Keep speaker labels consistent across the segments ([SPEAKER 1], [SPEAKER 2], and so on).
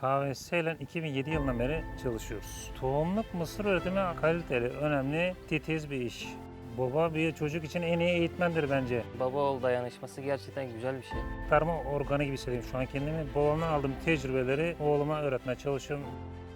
[SPEAKER 1] KVS ile 2007 yılından beri çalışıyoruz. Tohumluk mısır üretimi kaliteli, önemli, titiz bir iş. Baba bir çocuk için en iyi eğitmendir bence.
[SPEAKER 2] Baba oğul dayanışması gerçekten güzel bir şey.
[SPEAKER 1] Tarma organı gibi hissediyorum şu an kendimi. Babamdan aldığım tecrübeleri oğluma öğretmeye çalışıyorum.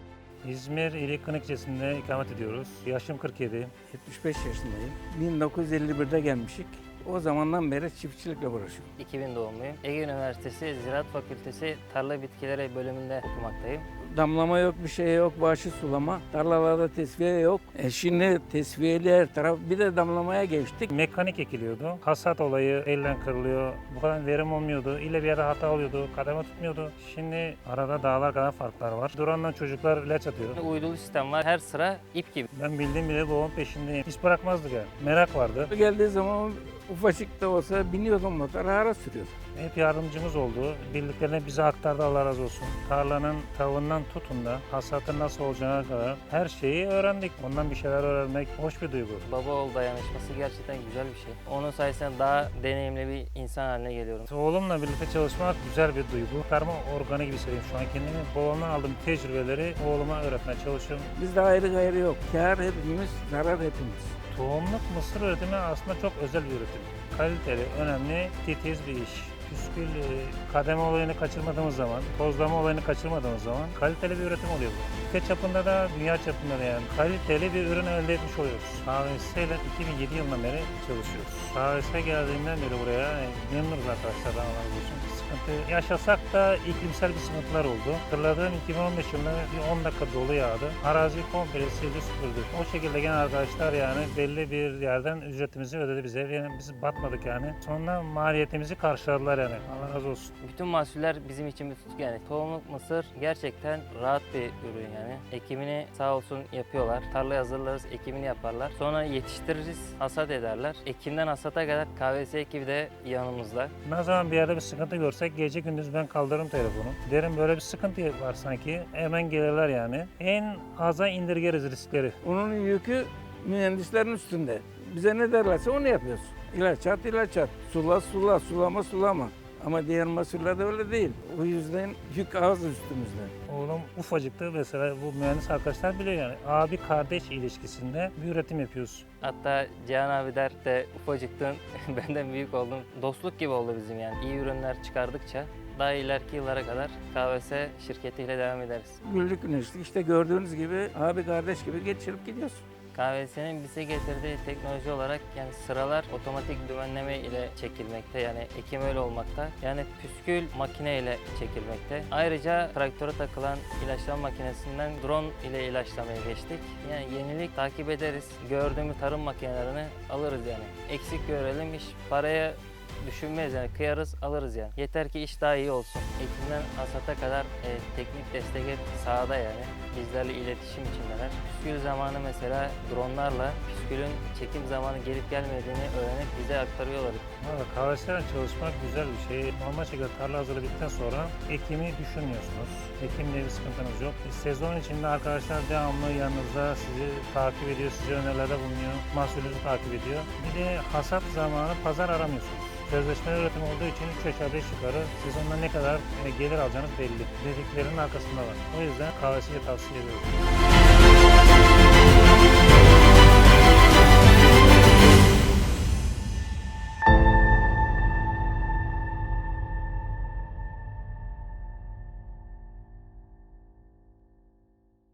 [SPEAKER 1] İzmir İlik Kınıkçesi'nde ikamet ediyoruz. Yaşım 47.
[SPEAKER 3] 75 yaşındayım. 1951'de gelmişik. O zamandan beri çiftçilikle uğraşıyorum.
[SPEAKER 2] 2000 doğumluyum. Ege Üniversitesi Ziraat Fakültesi Tarla Bitkileri bölümünde okumaktayım.
[SPEAKER 3] Damlama yok, bir şey yok, bağışı sulama. Tarlalarda tesviye yok. Şimdi tesviyeli her taraf. Bir de damlamaya geçtik.
[SPEAKER 1] Mekanik ekiliyordu. Hasat olayı elden kırılıyor. Bu kadar verim olmuyordu. İlle bir yerde hata oluyordu. Kademe tutmuyordu. Şimdi arada dağlar kadar farklar var. Duran'dan çocuklar ilaç atıyor.
[SPEAKER 2] Uydulu sistem var. Her sıra ip gibi.
[SPEAKER 1] Ben bildiğim bile babamın peşindeyim. Hiç bırakmazdık yani. Merak vardı.
[SPEAKER 3] Geldiği zaman ufacık da olsa biniyordum motora, ara sürüyordum.
[SPEAKER 1] Hep yardımcımız oldu. Bildiklerini bize aktardı, Allah razı olsun. Tarlanın tavuğundan tutun da hasatın nasıl olacağına kadar her şeyi öğrendik. Ondan bir şeyler öğrenmek hoş bir duygu.
[SPEAKER 2] Baba oğul dayanışması gerçekten güzel bir şey. Onun sayesinde daha deneyimli bir insan haline geliyorum.
[SPEAKER 1] Oğlumla birlikte çalışmak güzel bir duygu. Tarma organı gibi hissediyorum şu an kendimi. Babamdan aldığım tecrübeleri oğluma öğretmeye çalışıyorum.
[SPEAKER 3] Bizde ayrı gayrı yok. Kâr hepimiz, zarar hepimiz.
[SPEAKER 1] Tohumluk mısır üretimi aslında çok özel bir üretim. Kaliteli, önemli, titiz bir iş. Püskül, kademe olayını kaçırmadığımız zaman, tozlama olayını kaçırmadığımız zaman kaliteli bir üretim oluyor bu. Ülke çapında da, dünya çapında da yani kaliteli bir ürün elde etmiş oluyoruz. KVS ile 2007 yılından beri çalışıyoruz. KVS geldiğinden beri buraya memnunuz arkadaşlar, Allah razı olsun. Sıkıntı yaşasak da iklimsel bir sıkıntılar oldu. Hatırladığım 2015 yılında bir 10 dakika dolu yağdı. Arazi komple sildi süpürdü. O şekilde gelen arkadaşlar yani belli bir yerden ücretimizi ödedi bize. Yani biz batmadık yani. Sonra maliyetimizi karşıladılar yani. Allah razı olsun.
[SPEAKER 2] Bütün mahsuller bizim için bir tutku yani. Tohumluk mısır gerçekten rahat bir ürün yani. Ekimini sağ olsun yapıyorlar. Tarlayı hazırlarız, ekimini yaparlar. Sonra yetiştiririz, hasat ederler. Ekimden hasata kadar KVS ekibi de yanımızda.
[SPEAKER 1] Ne zaman bir yerde bir sıkıntı görsek gece gündüz ben kaldırırım telefonu. Derim böyle bir sıkıntı var sanki. Hemen gelirler yani. En aza indirgeriz riskleri.
[SPEAKER 3] Onun yükü mühendislerin üstünde. Bize ne derlerse onu yapıyoruz. İlaç at, ilaç at. Sula, sula, sulama, sulama. Ama diğer mahsullerde öyle değil. O yüzden yük az üstümüzde.
[SPEAKER 1] Oğlum ufacıktı mesela bu mühendis arkadaşlar biliyor yani. Abi kardeş ilişkisinde bir üretim yapıyoruz.
[SPEAKER 2] Hatta Cihan abi der de ufacıktın benden büyük oldun. Dostluk gibi oldu bizim yani. İyi ürünler çıkardıkça daha ileriki yıllara kadar KVS şirketiyle devam ederiz.
[SPEAKER 3] Güllük güneşlik işte gördüğünüz gibi abi kardeş gibi geçirip gidiyoruz.
[SPEAKER 2] KVS'nin bize getirdiği teknoloji olarak yani sıralar otomatik dümenleme ile çekilmekte yani ekim öyle olmakta. Yani püskül makine ile çekilmekte. Ayrıca traktöre takılan ilaçlama makinesinden drone ile ilaçlamaya geçtik. Yani yenilik takip ederiz. Gördüğümüz tarım makinelerini alırız yani. Eksik görelim iş paraya düşünmeyiz yani kıyarız alırız yani. Yeter ki iş daha iyi olsun. Ekimden hasata kadar teknik destek hep sahada yani. Bizlerle iletişim içindeler. Püskül zamanı mesela dronlarla püskülün çekim zamanı gelip gelmediğini öğrenip bize aktarıyorlar.
[SPEAKER 1] Valla KVS'yle çalışmak güzel bir şey. Normal şekilde tarla hazırlığı bittikten sonra ekimi düşünmüyorsunuz. Ekimle bir sıkıntınız yok. Sezon içinde arkadaşlar devamlı yanınızda sizi takip ediyor, size önerilerde bulunuyor. Mahsulünüzü takip ediyor. Bir de hasat zamanı pazar aramıyorsunuz. Sözleşmeli üretim olduğu için 3 aşağı 5 yukarı sezonda ne kadar gelir alacağınız belli. Dediklerinin arkasında var. O yüzden KVS'yi tavsiye ediyorum.